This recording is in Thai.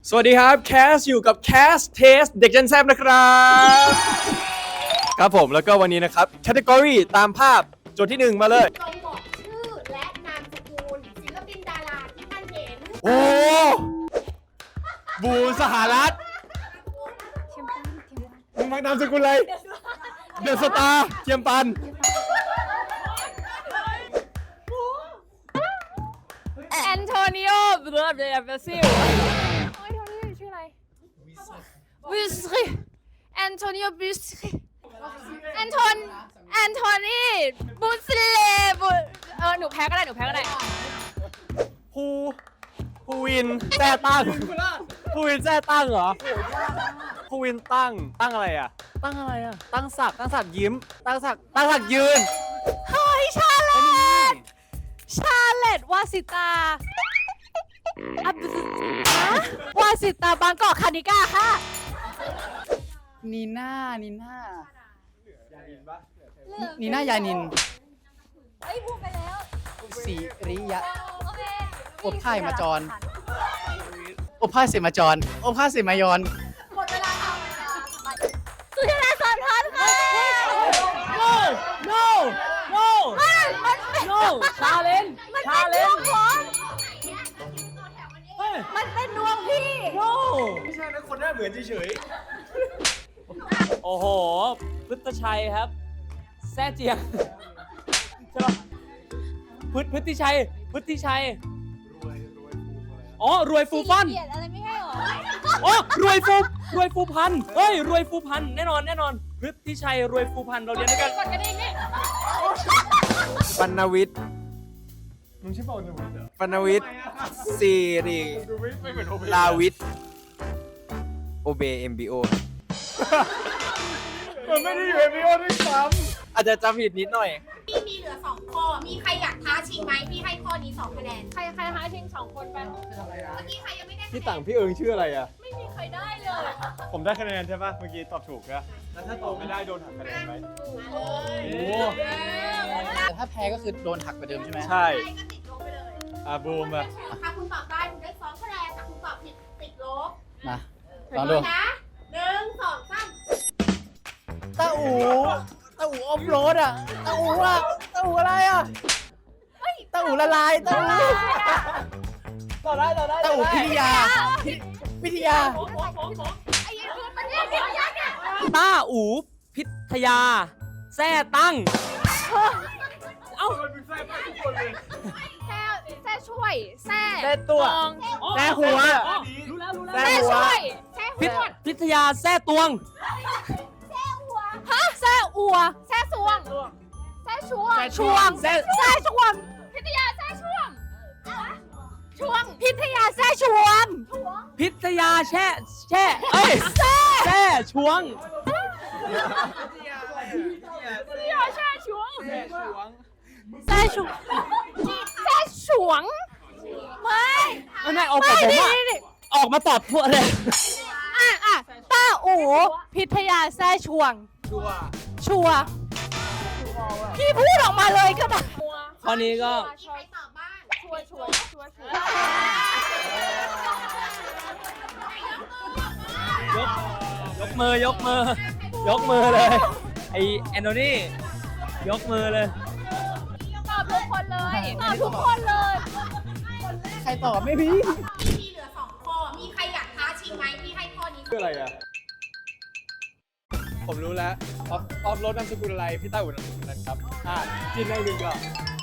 สวัสดีครับแคสอยู่กับแคสเทสเด็กเจนแซบนะครับครับผมแล้วก็วันนี้นะครับแคตตากรีตามภาพโจทย์ที่1มาเลยจงบอกชื่อและนามสกุลศิลปินดาราที่ท่านเห็นโอ้บูสหรัฐมึงมักนามสกุลอะไรเดอะสตาร์เทียมปันแอนโทนิโอเบรเบซิลโอ้ยโทนี่ชื่ออะไรบิสรีแอนโทนิโอบิสรีแอนโทนีบุสเลบุหนูแพ้ก็ได้ภูวินแจ้ตั้งภูวินแจ้ตั้งเหรอภูวินตั้งอะไรอ่ะตั้งศักดิ์ยิ้มตั้งศักดิ์ยืนเฮ้ยชาเลตวาสิตาวาสิตาบางกอกคานิก้าค่ะนีน่ายานินเฮ้ยพูดไปแล้วสีริยะโอเคอบผ้ามาจรอบผ้าเสมาจรอบผ้าเสมายอนหมดเวลาค่ะสุชาดาสอนทันค่ะ no ชาเลนมันเป็นดวงพี่ไม่ใช่นะคนหน้าเหมือนเฉยโอ้โหพุทธชัยครับแซ่เจียงใช่ปะพุทธิชัยอ๋อรวยฟูฟันเกียรติอะไรไม่ให้หรออ๋อรวยฟูพันเฮ้ยรวยฟูพันแน่นอนพุทธิชัยรวยฟูพันเราเรียนด้วยกันกดกระดิ่งนี่ๆปนวิทย์มึงชื่อปนวิทย์เหรอปนวิทย์ซีรีลาวิทย์โอเบเอ็มบีโอมันไม่ได้อยู่ MBO ด้วยซ้ำอาจจะจำผิดนิดหน่อยพี่มีเหลือ2ข้อมีใครอยากท้าชิงไหมพี่ให้ข้อนี้2คะแนนใครหาชิง2คนไปเมื่อกี้ใครยังไม่ได้คะแนนพี่ต่างพี่เอิงชื่ออะไรอ่ะไม่มีใครได้เลยผมได้คะแนนใช่ปะเมื่อกี้ตอบถูกนะแล้วถ้าตอบไม่ได้โดนหักคะแนนไหมโอ้โหแต่ถ้าแพ้ก็คือโดนหักไปเดิมใช่ไหมใช่ใครก็ติดลบไปเลยบูมอ่ะถ้าคุณตอบได้คุณได้2คะแนนถ้าคุณตอบผิดติดลบมาลองดูนะ1 2 3 ตาอูออฟโรดอ่ะตาอูอะไรอ่ะตาอูละลายตาอูพิทยาไอ้ยันคือมันแยกเดียวเนี่ยต้าอูพิทยาแซ่ตั้งเอ้าแซ่ช่วยแซ่ตัวแซ่หัวรู้แล้วแซ่ช่วยแซ่พิทยาแซ่ตวงฮะแซ่อัวแซ่สวงแซ่ช่วงแซ่ช่วงพิทยาแซ่ช่วงพิทยาแซ่ช่วงพิทยาแช่เอ้ยแซ่ช่วงพิทยาแซ่ช่วงแซ่ช่วงไม่ออกกับผมอะออกมาตอบพวกเลยต้าอูพิทยาแซ่ช่วงชัวพี่พูดออกมาเลยก็ได้ข้อนี้ก็มีใครตอบบ้างชัวยกมือเลยไอแอนโทนียกมือเลยตอบทุกคนเลยใครตอบไม่พี่มีเหลือ2ข้อมีใครอยากท้าชิงไหมพี่ให้ข้อนี้ชื่ออะไรอ่ะผมรู้แล้วออฟโรดนามสกุลอะไรพี่ต้าอุ่นนามสกุลนั้นครับจินได้1ก่อน